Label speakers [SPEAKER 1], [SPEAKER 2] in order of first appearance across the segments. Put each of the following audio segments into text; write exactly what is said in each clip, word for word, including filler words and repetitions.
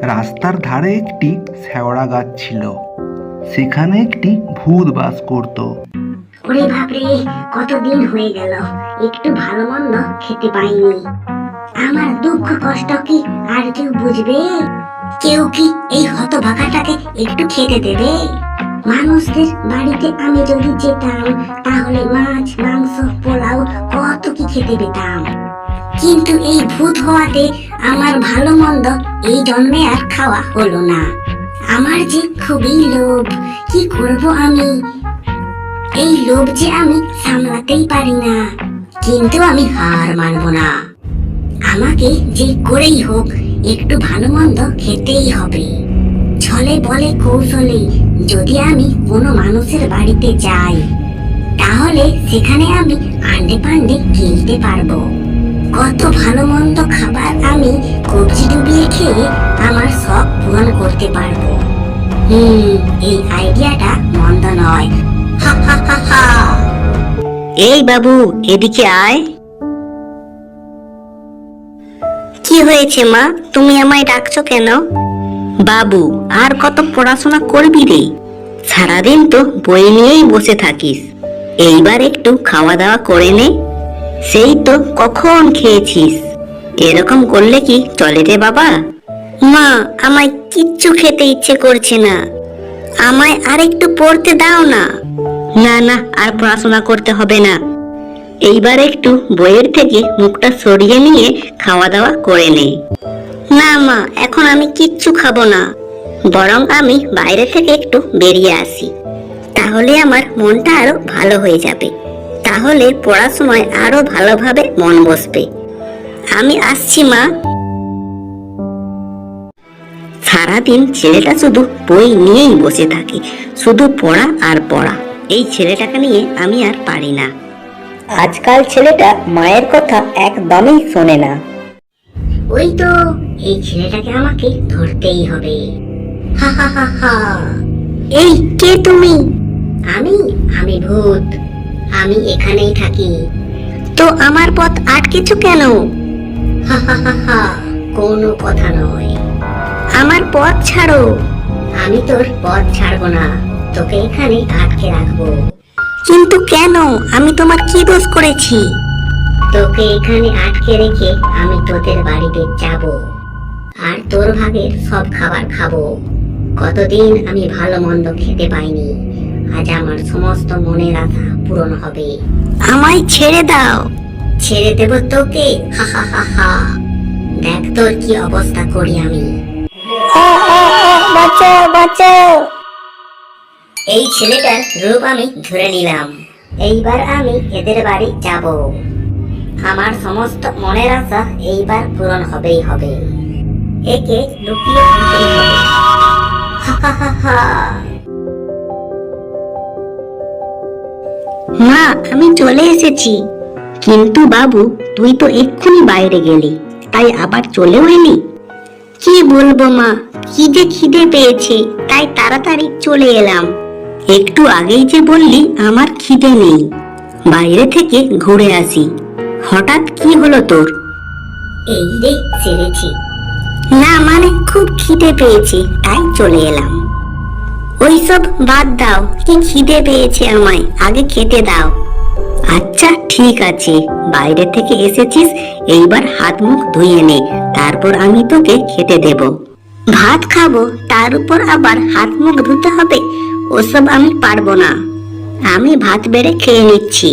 [SPEAKER 1] রাস্তার ধারে একটি শেওড়া গাছ ছিল। সেখানে একটি ভূত বাস করত।
[SPEAKER 2] ওরে বাপরে, কতদিন হয়ে গেল একটু ভালো মন্দ খেতে পাইনি। আমার দুঃখ কষ্ট কি আর কেউ বুঝবে? কেউ কি এই হতভাগাটাকে একটু খেতে দেবে? মানুষদের বাড়িতে আমি যদি যেতাম তাহলে মাছ, মাংস, পোলাও কত কি খেতে পেতাম। কিন্তু এই ভূত হওয়াতে আমার ভালো মন্দ এই জন্মে আর খাওয়া হলো না। আমার যে খুবই লোভ, কি করব আমি? এই লোভ যে আমি সামলাতেই পারি না। কিন্তু আমি হার মানব না। আমাকে যে করেই হোক একটু ভালো মন্দ খেতেই হবে। ছলে বলে কৌশলে যদি আমি কোনো মানুষের বাড়িতে যাই তাহলে সেখানে আমি আন্ডে পান্ডে গিলতে পারবো। কত ভালো মন্দ খাবার আমি কবজি ডুবিয়ে খেয়ে আমার শখ পূরণ করতে পারবো। হুম এই আইডিয়াটা মন্দ নয়। হা হা হা হা।
[SPEAKER 3] এই বাবু, এদিকে আয়। কি হয়েছে মা, তুমি আমায় ডাকছো কেন? বাবু, আর কত পড়াশোনা করবি রে? সারাদিন তো বই নিয়েই বসে থাকিস। এইবার একটু খাওয়া দাওয়া করে নে। সেই তো কখন খেয়েছিস। এরকম করলে কি চলে রে বাবা? মা, আমায় কিচ্ছু খেতে ইচ্ছে করছে না। আমায় আর একটু পড়তে দাও না। না না, আর পড়াশোনা করতে হবে না। এইবার একটু বইয়ের থেকে মুখটা সরিয়ে নিয়ে খাওয়া দাওয়া করে নে। না মা, এখন আমি কিচ্ছু খাবো না। বরং আমি বাইরে থেকে একটু বেরিয়ে আসি, তাহলে আমার মনটা আরো ভালো হয়ে যাবে। তাহলে পড়াশোনায় আরো ভালোভাবে মন বসবে। আমি আসছি মা। সারাদিন ছেলেটা শুধু বই নিয়েই বসে থাকে, শুধু পড়া আর পড়া। এই ছেলেটাকে নিয়ে আমি আর পারি না। আজকাল ছেলেটা মায়ের কথা একদমই শোনে না।
[SPEAKER 2] ওই তো এই ছেলেটাকে আমাকে ধরতেই হবে। হা হা হা হা।
[SPEAKER 3] এই কে তুমি?
[SPEAKER 2] আমি আমি ভূত। আমি এখানেই থাকি।
[SPEAKER 3] তো আমার পথ আটকেছো কেন?
[SPEAKER 2] হা হা হা হা। কোনো কথা নয়।
[SPEAKER 3] আমার পথ ছাড়ো।
[SPEAKER 2] আমি তোর পথ ছাড়বো না, তোকে এখানে আটকে রাখবো।
[SPEAKER 3] কিন্তু কেন? আমি তোমার কি দোষ করেছি?
[SPEAKER 2] তোকে এখানে আটকে রেখে আমি তোদের বাড়িতে যাব আর তোর ভাগের সব খাবার খাবো। কতদিন আমি ভালো মন্দ খেতে পাইনি, আজ আমার সমস্ত মনের আশা পূরণ হবে।
[SPEAKER 3] আমায় ছেড়ে দাও।
[SPEAKER 2] ছেড়ে দেব তোকে? হা হা হা হা। দেখ তোর কি অবস্থা করি আমি।
[SPEAKER 3] বাঁচাও, বাঁচাও।
[SPEAKER 2] এই ছেলেটার রূপ আমি ধরে নিলাম। এইবার আমি এদের বাড়ি যাব। আমার সমস্ত মনের আশা এইবার পূরণ হবেই হবে। একে লুকিয়ে দিতেই হবে। হা হা হা হা।
[SPEAKER 3] মা, আমি চলে এসেছি। কিন্তু বাবু, তুই তো এক্ষুনি বাইরে গেলি, তাই আবার চলেও এলি? কি বলবো মা, কি যে খিদে পেয়েছে, তাই তাড়াতাড়ি চলে এলাম। একটু আগেই যে বললি আমার খিদে নেই, বাইরে থেকে ঘুরে আসি। হঠাৎ কি হলো তোর?
[SPEAKER 2] এই রে ছেড়েছি।
[SPEAKER 3] না মানে খুব খিদে পেয়েছে, তাই চলে এলাম। ওইসব বাদ দাও, কি খিদে পেয়েছে আমায়, আগে খেতে দাও। আচ্ছা ঠিক আছে, বাইরে থেকে এসেছিস, এইবার হাত মুখ ধুয়ে নে, তারপর আমি তোকে খেতে দেব। ভাত খাবো, তার উপর আবার হাত মুখ ধুতে হবে? ওসব আমি পারবো না। আমি ভাত বেড়ে খেয়ে নিচ্ছি।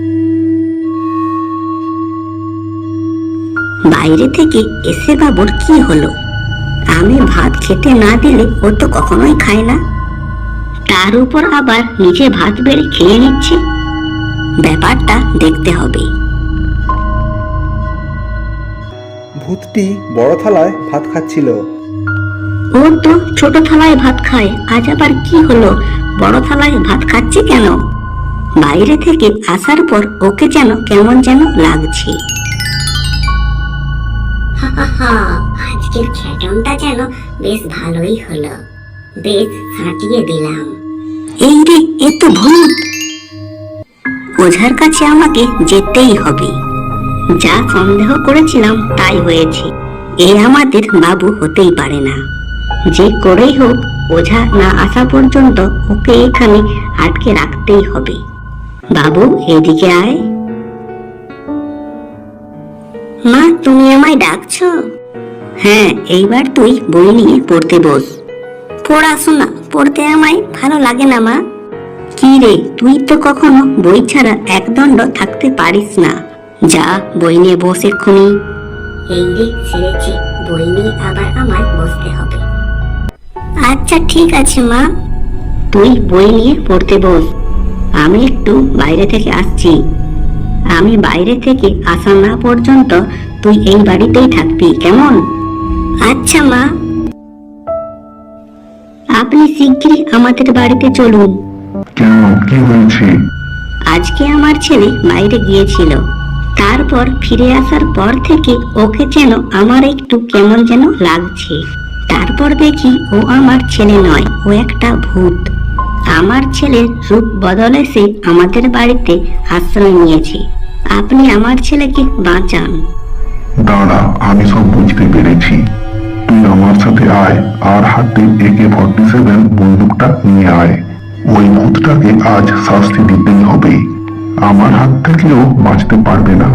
[SPEAKER 3] বাইরে থেকে এসে বাবুর কি হলো? আমি ভাত খেতে না দিলে ও তো কখনোই খায় না, তার উপর আবার নিজে ভাত বেড়ে খেয়ে নিচ্ছে। ব্যাপারটা দেখতে হবে।
[SPEAKER 1] ভূতটি বড় থালায় ভাত খাচ্ছিল।
[SPEAKER 3] ও তো ছোট থালায় ভাত খায়, আজ আবার কি হলো, বড় থালায় ভাত খাচ্ছে কেন? বাইরে থেকে আসার পর ওকে যেন কেমন যেন লাগছে।
[SPEAKER 2] হা হা হা। আজকের খ্যাটনটা যেন বেশ ভালোই হলো, বেশ ফাটিয়ে দিলাম।
[SPEAKER 3] এই রে, এ তো ভূত। ওঝার কাছে আমাকে যেতেই হবে। যা সন্দেহ করেছিলাম তাই হয়েছে। এ আমাদের বাবু হতেই পারে না। যে করেই হোক ওঝা না আসা পর্যন্ত ওকে এখানে আটকে রাখতেই হবে। বাবু এদিকে আয়। মা তুমি আমায় ডাকছো? হ্যাঁ, এইবার তুই বই নিয়ে পড়তে বস। পড়াশোনা পড়তে আমায় ভালো লাগে না মা। কি রে, তুই তো কখনো বই ছাড়া একদণ্ড থাকতে পারিস না। যা বই নিয়ে বস এক্ষুনি।
[SPEAKER 2] এই রে ছেড়েছি, বই নিয়ে আবার আমার বসতে হবে।
[SPEAKER 3] আচ্ছা ঠিক আছে মা, তুই বই নিয়ে পড়তে বস। আমি একটু বাইরে থেকে আসছি। আমি বাইরে থেকে আসা না পর্যন্ত তুই এই বাড়িতেই থাকবি, কেমন? আচ্ছা মা। আপনি শিগগিরই আমাদের বাড়িতে চলুন।
[SPEAKER 4] কেন, কি হয়েছে?
[SPEAKER 3] আজকে আমার ছেলে বাইরে গিয়েছিল, তারপর ফিরে আসার পর থেকে ওকে যেন আমার একটু কেমন যেন লাগছে। তারপর দেখি ও আমার ছেলে নয়, ও একটা ভূত। আমার ছেলের রূপ বদলে সে আমাদের বাড়িতে আশ্রয় নিয়েছে। আপনি আমার ছেলেকে বাঁচান।
[SPEAKER 4] দাঁড়া, আমি সব বুঝতে পেরেছি। তুই আমার সাথে আয় আর হাতে একে ফর্টি সেভেন বন্দুকটা নিয়ে আয়। ওই ভূতটাকে আজ শাস্তি দিতেই হবে। আমার হাত থেকেও বাঁচতে পারবে না।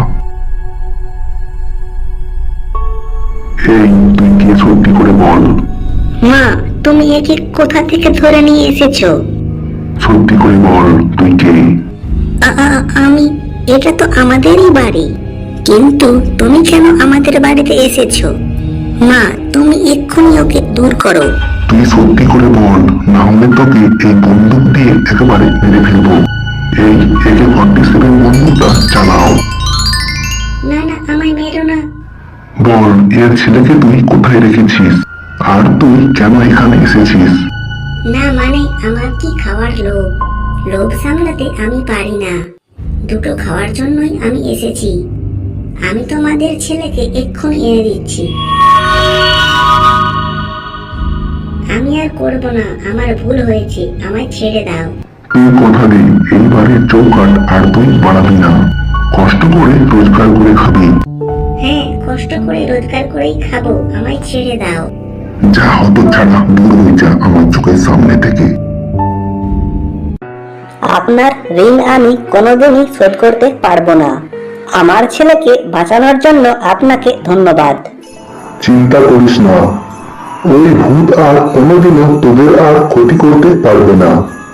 [SPEAKER 4] এই, তুই কে সত্যি করে বল।
[SPEAKER 3] মা তুমি একে কোথা থেকে ধরে নিয়ে এসেছো?
[SPEAKER 4] সত্যি করে বল, তুই কে?
[SPEAKER 3] আ- আ- আমি, এটা তো আমাদেরই বাড়ি, কিন্তু তুমি কেন আমাদের বাড়িতে এসেছো? মা তুমি এক্ষুনি ওকে দূর করো।
[SPEAKER 4] তুই সত্যি করে বল, না হলে তোকে এই বন্দুক দিয়ে একেবারে মেরে ফেলবো। এই একে ফর্টি সেভেন বন্দুকটা চালাও।
[SPEAKER 2] না না, আমায় মেরো না।
[SPEAKER 4] বল, এর ছেলেকে তুই কোথায় রেখেছিস, আর তুই কেন এখানে এসেছিস?
[SPEAKER 2] না মানে আমার কি খাওয়ার লোভ, লোভ সামলাতে আমি পারি না। দুটো খাওয়ার জন্যই আমি এসেছি। আমি তোমাদের ছেলেকে এক্ষুনি এনে দিচ্ছি। আমি আর করব না, আমার ভুল হয়েছে, আমায় ছেড়ে দাও।
[SPEAKER 4] তুই কথা দে, এইবারের চৌকাট আর তুই বাড়াবি না। কষ্ট করে রোজগার করে খাবি।
[SPEAKER 2] হ্যাঁ, কষ্ট করে রোজগার করেই খাবো, আমায় ছেড়ে দাও।
[SPEAKER 4] যা হতো ছাড়া, দূর হয়ে যা আমার চোখের সামনে থেকে।
[SPEAKER 3] আপনার ঋণ আমি কোনোদিনই শোধ করতে পারবো না। আমার ছেলেকে বাঁচানোর জন্য আপনাকে ধন্যবাদ।
[SPEAKER 4] চিন্তা করিস না, ওই ভূত আর কোনোদিনও তোদের আর ক্ষতি করতে পারবে না।